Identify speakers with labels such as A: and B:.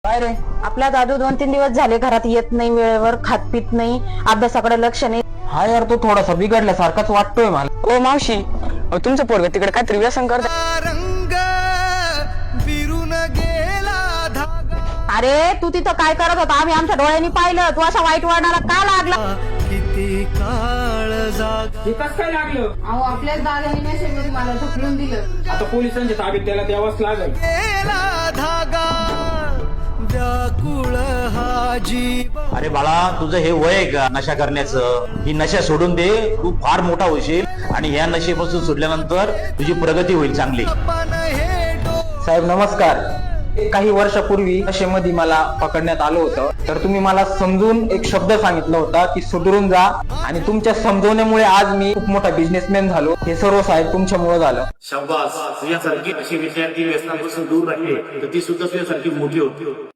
A: काय रे?
B: आपला दादू 2-3 दिवस झाले घरात येत नाही, वेळेवर खात पित नाही, अभ्यासाकडे लक्ष नाही.
A: हा यार, तो थोडासा बिघडल्यासारखाच वाटतोय मला.
C: ओ मावशी, तुमचं पोरग तिकडे काहीतरी व्यसन करत.
B: अरे तू तिथं काय करत होता? आम्ही आमच्या डोळ्यांनी पाहिलं. तू अशा वाईट वळणाला का लागला?
D: किती काळ
E: हे कसं काय लागलं?
B: अहो, आपल्याच दादाने नशेमध्ये मला ढकलून दिलं.
E: आता पोलिसांच्या ताब्यात त्याला द्यावाच लागेल.
D: धागा व्याकुळ हा जीव.
F: अरे बाळा, तुझं हे वय आहे का नशा करण्याचं? ही नशा सोडून दे, तू फार मोठा होशील आणि या नशेपासून सुटल्यानंतर तुझी प्रगती होईल चांगली.
A: साहेब नमस्कार. काही वर्षापूर्वी नशेमध्ये मला पकडण्यात आलं होतं, तर तुम्ही मला समजून एक शब्द सांगितला होता की सुधरून जा, आणि तुमच्या समजवण्यामुळे आज मी खूप मोठा बिझनेसमॅन झालो. हे सर्व साहेब तुमच्यामुळे झालं.
G: शाबास, तुझ्यासारखी अशी विद्यार्थी व्यसनापासून दूर राहिले तर ती सुद्धा तुझ्यासारखी मोठी होती.